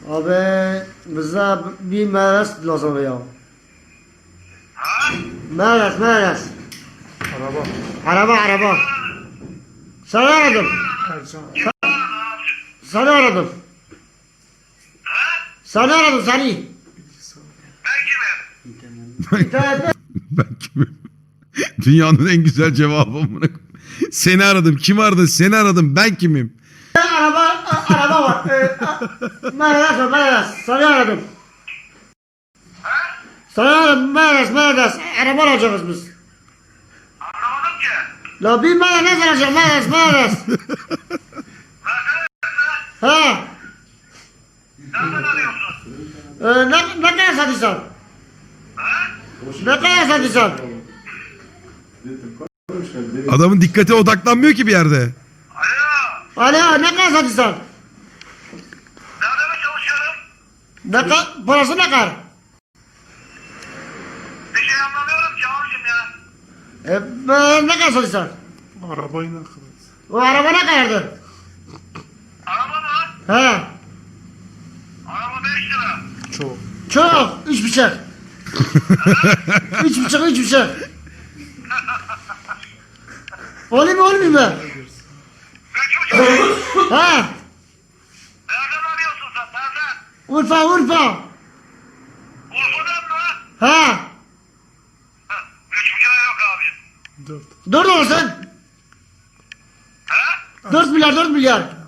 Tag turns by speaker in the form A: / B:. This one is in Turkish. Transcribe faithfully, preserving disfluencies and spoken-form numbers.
A: Abi bize bir meres lazım ya.
B: Ha?
A: Meres meres.
C: Araba.
A: Araba araba. Seni aradım.
C: Ercan.
A: Seni aradım. Seni aradım seni.
B: Ben kimim?
A: İnternette
D: Ben kimim? Dünyanın en güzel cevabı amına koyayım. Seni aradım. Kim aradı? Seni aradım. Ben kimim?
A: araba a- araba var. Ee, a- Meres var meres. Seni aradım. Seni aradım meres meres. Araba alacağız biz.
B: Anlamadım ki.
A: La bir meres alacağım meres meres. Ha.
B: Nereden arıyorsun?
A: Ee, ne, ne kadar satıyorsun? Ne kadar satıyorsun?
D: Adamın dikkate odaklanmıyor ki bir yerde.
B: Alo.
A: Alo ne kadar satıyorsun?
B: Nerede mi çalışıyorum?
A: Ne kadar? Parası ne kadar?
B: Bir şey anlamıyorum ki abicim ya.
A: E, e, ne kadar satıyorsun?
C: Arabayı ne kadar?
A: O araba ne kadardı?
B: Araba mı?
A: He.
B: Araba beş lira.
C: Çok.
A: Çok. Üç bıçak. üç bıçak, üç bıçak. Olayım mı, olmayayım mı?
B: Üç buçuk.
A: Ha.
B: Nereden arıyorsun sen? Nereden?
A: Urfa, Urfa.
B: Urfa'dan mı?
A: Ha.
B: Heh, Üç buçuğa yok abicim.
C: Dört.
A: Dört olsun.
B: He?
A: Dört milyar, dört milyar.